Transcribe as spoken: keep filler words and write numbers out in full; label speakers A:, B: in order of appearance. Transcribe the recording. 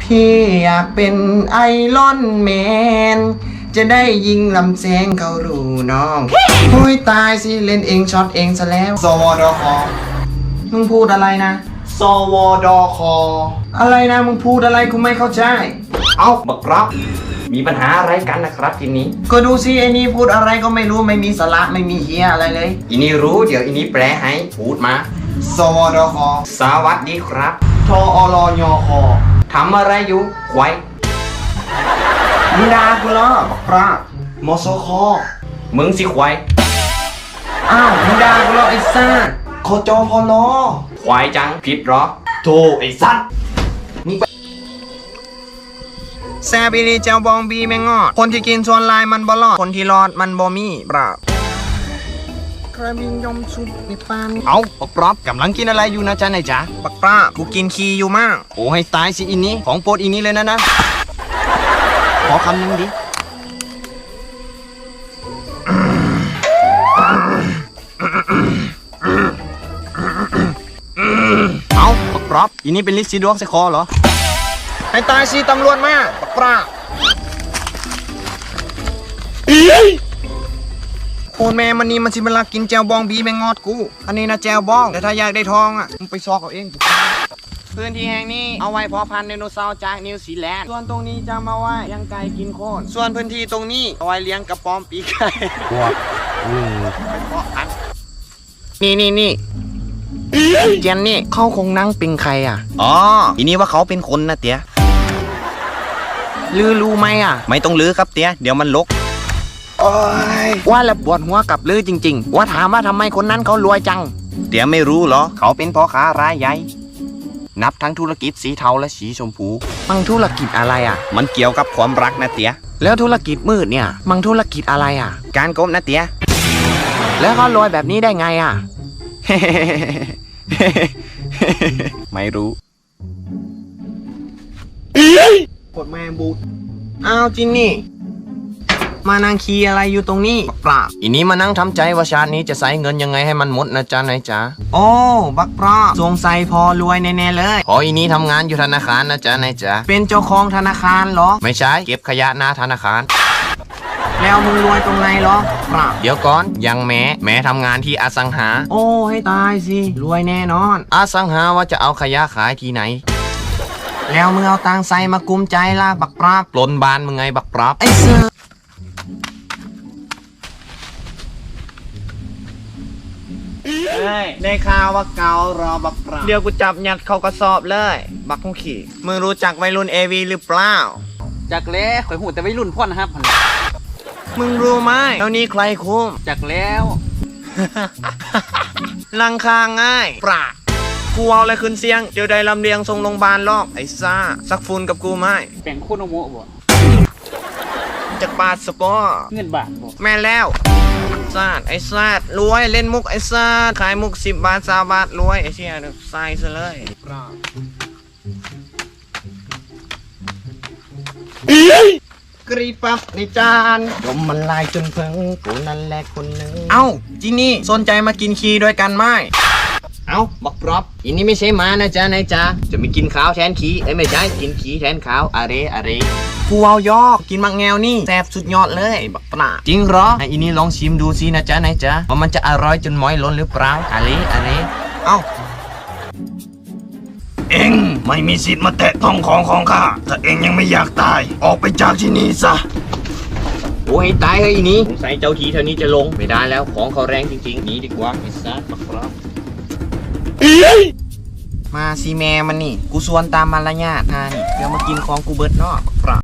A: พี่อยากเป็นไอรอนแมนจะได้ยิงลำแสงเขารูน้องหุยตายสิเล่นเองช็อตเองซะแล้วสวดคมึงพูดอะไรนะสวดคอะไรนะมึงพูดอะไรกูไม่เข้าใจเอาบักรับมีปัญหาอะไรกันนะครับทีนี้ก็ดูสิไอ้นี่พูดอะไรก็ไม่รู้ไม่มีสาระไม่มีเฮียอะไรเลยอีนี่รู้เดี๋ยวอีนี่แปลให้พูดมาสวดคสวัสดีครับทอรยคทำอะไรอยู่ควายมึงด่ากูเหรอบักรับมสคมึงสิควายอ้าวมึงด่ากูเหรอไอ้ซ่าคจพลควายจังผิดหรอโธ่ไอ้สัตว์แซบิลีเจ้าบองบีแมงงอดคนที่กินส่วนลายมันบ่รอดคนที่รอดมันบ่มีปราบกระบิงยมชุบในปานเอาบักปรอบกำลังกินอะไรอยู่นะจ๊ะนายจ๊ะบักปราบกูกินขี้อยู่มากโอ้ให้ตายสิอินนี้ของโปรดอินนี้เลยนะนะขอคำหนึ่งดิเอาบักปรอบอินนี้เป็นลิซซีดวงใส่คอเหรอให้ตายสิตำรวจมาบักปราบโอนแม่มันนี่มันสิมันลักกินแจวบองบีแมงงอดกูอันนี้นะแจวบองแต่ถ้าอยากได้ทองอ่ะมึงไปซอกเอาเองพื้นที่แห่งนี้เอาไว้เพาะพันธุ์ไดโนเสาร์จากนิวซีแลนด์ส่วนตรงนี้จะมาไว้เลี้ยงไก่กินโคนส่วนพื้นที่ตรงนี้เอาไว้เลี้ยงกระป๋อมปีกไก่พวกอืมเพาะพันธุ์นี่นี่นี่เจนนี่เขาคงนั่งเป็นใครอ่ะอ๋อทีนี้ว่าเขาเป็นคนนะเตี้ยลือรู้ไหมอ่ะไม่ต้องลือครับเตี้ยเดี๋ยวมันลกว่าแล้วปวดหัวกับลือจริงๆว่าถามว่าทำไมคนนั้นเขารวยจังเดี๋ยวไม่รู้เหรอเขาเป็นพ่อค้ารายใหญ่นับทั้งธุรกิจสีเทาและสีชมพูมังธุรกิจอะไรอ่ะมันเกี่ยวกับความรักนะเตี๋ยแล้วธุรกิจมืดเนี่ยมังธุรกิจอะไรอ่ะการกบนะเตี๋ยแล้วเขารวยแบบนี้ได้ไงอ่ะ ไม่รู้กดแมงบูอ้าวจินนี่มานั่งคีอะไรอยู่ตรงนี้บักปราบอีนี้มานั่งทำใจว่าชาตินี้จะใช้เงินยังไงให้มันหมดนะจ๊ะนายจ๊ะโอ้บักปราบสงสัยพอรวยแน่ๆเลยพออีนี้ทำงานอยู่ธนาคารนะจ๊ะนายจ๊ะเป็นเจ้าของธนาคารเหรอไม่ใช่เก็บขยะหน้าธนาคารแล้วมึงรวยตรงไหนเหรอปราบเดี๋ยวก่อนยังแม้แม้ทำงานที่อสังหาโอ้ให้ตายสิรวยแน่นอนอสังหาว่าจะเอาขยะขายที่ไหนแล้วมึงเอาตังใส่มากุมใจล่ะบักปราบปล้นบ้านมึงไงบักปราบไอ้เสือได้ข่าวว่าเการอบักปราบเดี๋ยวกูจับยัดเข้ากระสอบเลยบักคงขี่มึงรู้จักวัยรุ่นเอวีหรือเปล่า
B: จากแล้วข่อยหูแต่วัยรุ่นพ่อนนะครับ
A: มึงรู้ไหมแล้วนี้ใครคุม
B: จากแล้ว
A: ลังคาง่ายปราบกูเอาอะไรขึ้นเสียงเดี๋ยวได้ลำเลียงส่งโรงพยาบาลลอกไอ้ซ่าสักฝุ่นกับกูไหม
B: แบ่งโคโนโมะบ่
A: จากบาทสปอร์
B: เงินบาทบ่
A: แม่แล้วซาดไอ้ซาดรวยเล่นมุกไอ้ซาดขายมุกสิบบาทสามบาทรวยไอ้เชี่ยใส่ซะเลยกรีปั๊บในจานดมมันลายจนเพิ่งกูนั่นแหละคนหนึ่งเอ้าจีนี่สนใจมากินคีด้วยกันไหมเอ้าบักปรอบอันนี้ไม่ใช่หมานะจ๊ะนายจ๊ะจะไม่กินข้าวแทนขี้ไอ้ไม่ใช่กินขี้แทนข้าวอะไรอะไรกูเอายอกกินมักแงวนี่แซ่บสุดยอดเลยบักปลาจริงเหรอไอ้อันนี้ลองชิมดูสินะจ๊ะนายจ๊ะว่ามันจะอร่อยจนม้อยล้นหรือเปล่าอะไรอะไรเอ้าเอ็งไม่มีสิทธิ์มาแตะต้องของของข้าถ้าเอ็งยังไม่อยากตายออกไปจากที่นี่ซะโอ้ให้ตายเฮ้ยอีนี้สงสัยเจ้าทีเท่านี้จะลงไม่ได้แล้วของเขาแรงจริงๆหนีดีกว่าไอ้สัสบักปลามาซีแม่มันนี่กูสวนตามมารยาทนะนี่เดี๋ยวมากินของกูเบิดเนาะ